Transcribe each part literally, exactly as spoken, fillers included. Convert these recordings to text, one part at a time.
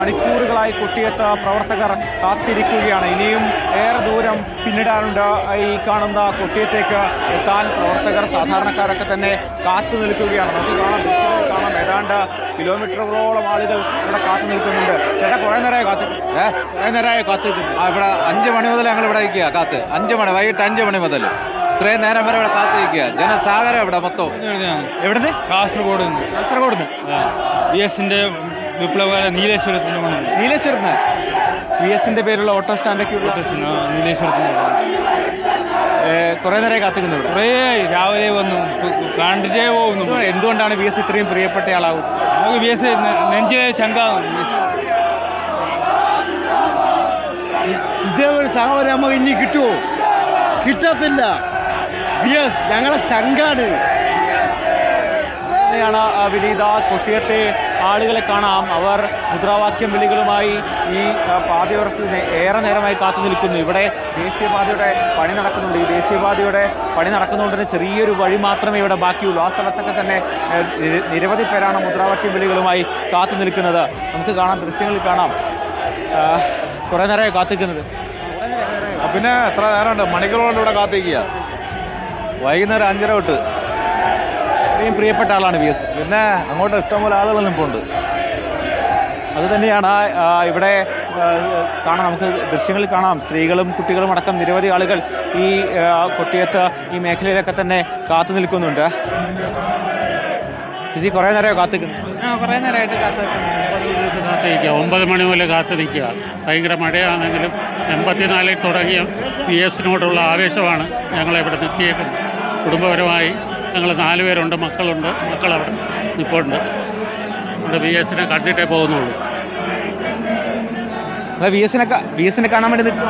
മണിക്കൂറുകളായി കുട്ടിയത്ത് പ്രവർത്തകർ കാത്തിരിക്കുകയാണ്. ഇനിയും ഏറെ ദൂരം പിന്നിടാനുണ്ട്. ഈ കാണുന്ന കുട്ടിയത്തേക്ക് എത്താൻ പ്രവർത്തകർ സാധാരണക്കാരൊക്കെ തന്നെ കാത്തു നിൽക്കുകയാണ്. നമുക്ക് കാണാം കാണാം ഏതാണ്ട് കിലോമീറ്ററുകളോളം ആളുകൾ ഇവിടെ കാത്തു നിൽക്കുന്നുണ്ട്. ചേട്ടാ കുറെ നേരമായി കാത്ത് ഏഹ് കുറെ നേരമായി കാത്തു നിൽക്കുന്നു. ആ ഇവിടെ അഞ്ച് മണി മുതൽ ഞങ്ങൾ ഇവിടെ ഇരിക്കുക കാത്ത് അഞ്ച് മണി വൈകിട്ട് അഞ്ച് മണി മുതൽ ഇത്രയും നേരം വരെ ഇവിടെ കാത്തിരിക്കുക. ജനസാഗരം ഇവിടെ മൊത്തം. എവിടുന്ന്? കാസർഗോഡ് കാസർഗോഡ് വി എസിന്റെ വിപ്ലവകാല നീലേശ്വരത്തിന്റെ നീലേശ്വരത്ത് വി എസിന്റെ പേരുള്ള ഓട്ടോ സ്റ്റാൻഡൊക്കെ നീലേശ്വരത്തിന് കുറെ നേരം കാത്തിക്കുന്നു. കുറേ രാവിലെ വന്നു കണ്ടിട്ടേ പോകുന്നു. എന്തുകൊണ്ടാണ് വി എസ് ഇത്രയും പ്രിയപ്പെട്ട ആളാവും? നമുക്ക് വി എസ് നെഞ്ചിലെ ചങ്കാവും. ഇതേപോലെ സഹോദരൻ നമുക്ക് ഇനി കിട്ടുമോ? കിട്ടത്തില്ല. വി എസ് ഞങ്ങളെ ചങ്കാണ്. ാണ് വിനീത. കൊട്ടിയത്തെ ആളുകളെ കാണാം. അവർ മുദ്രാവാക്യം വിളികളുമായി ഈ പാതയോരത്ത് ഏറെ നേരമായി കാത്തു നിൽക്കുന്നു. ഇവിടെ ദേശീയപാതയുടെ പണി നടക്കുന്നുണ്ട്. ഈ ദേശീയപാതയുടെ പണി നടക്കുന്നതുകൊണ്ട് ചെറിയൊരു വഴി മാത്രമേ ഇവിടെ ബാക്കിയുള്ളൂ. ആ സ്ഥലത്തൊക്കെ തന്നെ നിരവധി പേരാണ് മുദ്രാവാക്യം വിളികളുമായി കാത്തു നിൽക്കുന്നത്. നമുക്ക് കാണാം, ദൃശ്യങ്ങളിൽ കാണാം. കുറെ നേരമായി കാത്തിക്കുന്നത്. പിന്നെ എത്ര നേരമുണ്ട്? മണിക്കൂറുകൊണ്ട് ഇവിടെ കാത്തിരിക്കുക. വൈകുന്നേരം അഞ്ചര തൊട്ട്. ഇത്രയും പ്രിയപ്പെട്ട ആളാണ് വി എസ്. പിന്നെ അങ്ങോട്ട് ഇഷ്ടംപോലെ ആളുകൾ നിൽപ്പുണ്ട്. അത് തന്നെയാണ് ഇവിടെ കാണാം. നമുക്ക് ദൃശ്യങ്ങളിൽ കാണാം. സ്ത്രീകളും കുട്ടികളും അടക്കം നിരവധി ആളുകൾ ഈ കൊട്ടിയത്ത് ഈ മേഖലയിലൊക്കെ തന്നെ കാത്തു നിൽക്കുന്നുണ്ട്. ചേച്ചി കുറെ നേരം കാത്തിക്കുന്നു. കുറേ നേരമായിട്ട് കാത്തിരിക്കുക. ഒമ്പത് മണി മുതൽ കാത്തു നിൽക്കുക. ഭയങ്കര മഴയാണെങ്കിലും എൺപത്തിനാലിൽ തുടങ്ങിയ പി എസിനോടുള്ള ആവേശമാണ് ഞങ്ങളെ ഇവിടെ നിർത്തിയേക്കുന്നത്. കുടുംബപരമായി ഞങ്ങൾ നാല് പേരുണ്ട്, മക്കളുണ്ട്. മക്കളവിടെ നിൽപ്പുണ്ട്. ഇവിടെ വി എസിനെ കണ്ടിട്ടേ പോകുന്നുള്ളൂ. വി എസിനെ വി എസിനെ കാണാൻ വേണ്ടി നിൽക്കും.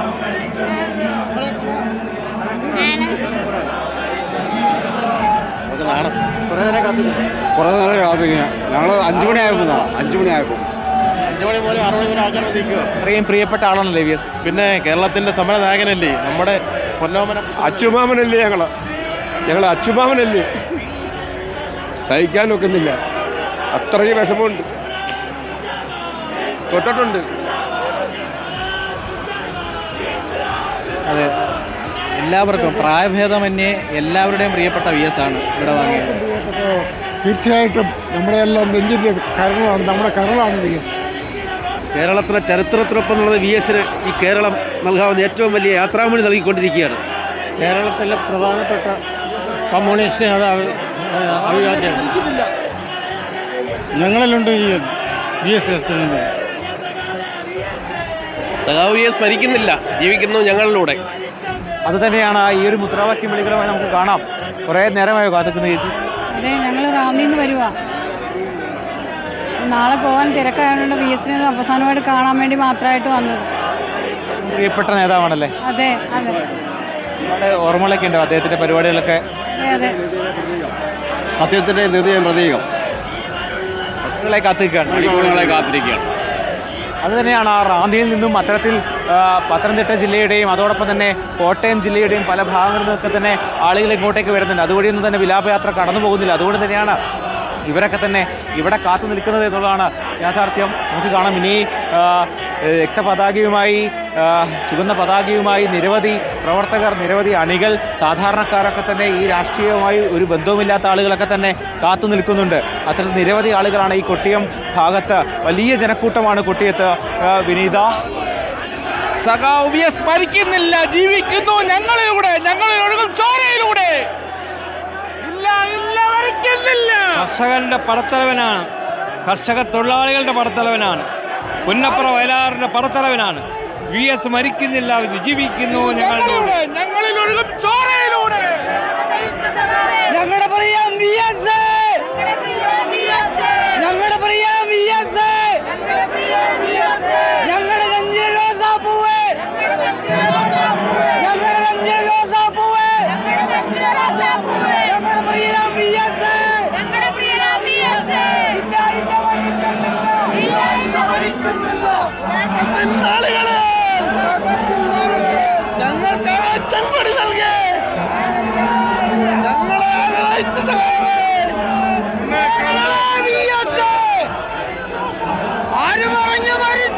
കുറേ നേരം കാത്തിരിക്കുക. ഞങ്ങൾ അഞ്ചു മണി ആയപ്പോ അഞ്ചു മണി ആയപ്പോ അഞ്ചു മണി മുതൽ ആറ് മണി വരെ ആൾക്കാർ നിൽക്കുക. അത്രയും പ്രിയപ്പെട്ട ആളാണല്ലേ വി എസ്. പിന്നെ കേരളത്തിന്റെ സമര നായകനല്ലേ, നമ്മുടെ പൊന്നോമന അച്ചുമാമനല്ലേ. ഞങ്ങള് ഞങ്ങൾ അച്ചുമാമനല്ലേ. സഹിക്കാൻ നോക്കുന്നില്ല. അത്രയും വിഷമമുണ്ട്. തൊട്ടിട്ടുണ്ട്. അതെ, എല്ലാവർക്കും പ്രായഭേദമന്യേ എല്ലാവരുടെയും പ്രിയപ്പെട്ട വി എസ് ആണ് ഇവിടെ വാങ്ങിയത്. തീർച്ചയായിട്ടും നമ്മുടെ എല്ലാം നെഞ്ചിന്റെ കരളാണ്, നമ്മുടെ കരളാണ് വി എസ്. കേരളത്തിലെ ചരിത്രത്തിനൊപ്പം എന്നുള്ളത് വി എസിന് ഈ കേരളം നൽകാവുന്ന ഏറ്റവും വലിയ യാത്രാമൊഴി നൽകിക്കൊണ്ടിരിക്കുകയാണ്. കേരളത്തിലെ പ്രധാനപ്പെട്ട കമ്മ്യൂണിസ്റ്റ് നേതാവ് അഭിവാദ്യമാണ്. ഞങ്ങളിലുണ്ട് ഈ വി എസ് എസ്. സഖാവ് വി എസ് മരിക്കുന്നില്ല, ജീവിക്കുന്നു ഞങ്ങളിലൂടെ. അത് തന്നെയാണ് ഈ ഒരു മുദ്രാവാക്യം വിളികളുമായി നമുക്ക് കാണാം. കുറേ നേരമായോ കാത്തിക്കുന്ന ചേച്ചി? അതെ, ഞങ്ങൾ റാന്നിയിൽ നിന്ന് വരുവാ. നാളെ പോകാൻ തിരക്കായതുകൊണ്ട് വി എസിനെ അവസാനമായിട്ട് കാണാൻ വേണ്ടി മാത്രമായിട്ട് വന്നത്. പ്രിയപ്പെട്ട നേതാവാണല്ലേ? അതെ അതെ. ഒരുപാട് ഓർമ്മകളൊക്കെ ഉണ്ടോ അദ്ദേഹത്തിന്റെ പരിപാടികളൊക്കെ? അതെ. സത്യത്തിന്റെ ഹൃദയം പ്രതീകം. മക്കളെ കാത്തിരിക്കുകയാണ്. മണിക്കൂറുകളെ കാത്തിരിക്കുകയാണ്. അത് തന്നെയാണ് ആ റാന്നിയിൽ നിന്നും അത്തരത്തിൽ പത്തനംതിട്ട ജില്ലയുടെയും അതോടൊപ്പം തന്നെ കോട്ടയം ജില്ലയുടെയും പല ഭാഗങ്ങളിൽ നിന്നൊക്കെ തന്നെ ആളുകൾ ഇങ്ങോട്ടേക്ക് വരുന്നുണ്ട്. അതുവഴിയൊന്നും തന്നെ വിലാപയാത്ര കടന്നു പോകുന്നില്ല. അതുകൊണ്ട് തന്നെയാണ് ഇവരൊക്കെ തന്നെ ഇവിടെ കാത്തു നിൽക്കുന്നത് എന്നുള്ളതാണ് യാഥാർത്ഥ്യം. നമുക്ക് കാണാം, ഇനി രക്തപതാകയുമായി ചുവന്ന പതാകയുമായി നിരവധി പ്രവർത്തകർ, നിരവധി അണികൾ, സാധാരണക്കാരൊക്കെ തന്നെ ഈ രാഷ്ട്രീയവുമായി ഒരു ബന്ധവുമില്ലാത്ത ആളുകളൊക്കെ തന്നെ കാത്തു നിൽക്കുന്നുണ്ട്. അത്തരത്തിൽ നിരവധി ആളുകളാണ് ഈ കൊട്ടിയം ഭാഗത്ത്. വലിയ ജനക്കൂട്ടമാണ് കൊട്ടിയത്ത്. വിനീത, സഖാവ് വി എസ് മരിക്കുന്നില്ല, ജീവിക്കുന്നു ഞങ്ങളിലൂടെ, ഞങ്ങളിൽ ഒഴുകും ചോരയിലൂടെ. കർഷകന്റെ പടത്തലവനാണ്, കർഷക തൊഴിലാളികളുടെ പടത്തലവനാണ്, പുന്നപ്പുറ വയലാറിന്റെ പടത്തലവനാണ്. വി എസ് മരിക്കുന്നില്ല, ജീവിക്കുന്നു ഞങ്ങളിലൂടെ, ഞങ്ങളിൽ ഒഴുകും ചോരയിലൂടെ. ഞങ്ങളുടെ പറയാം വി എസ്, ഞങ്ങളുടെ പറയാം വി എസ്, ഞങ്ങളുടെ നെഞ്ചിൽ റോസാപ്പൂവേ, ഞങ്ങളുടെ നെഞ്ചിൽ റോസാപ്പൂവേ, ഞങ്ങളുടെ പറയാം വി എസ്. ഞങ്ങൾക്ക് ചെങ്കൊടി നൽകി ഞങ്ങളെ ആര് പറഞ്ഞു മരിച്ചു?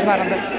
ആനന്ദ്.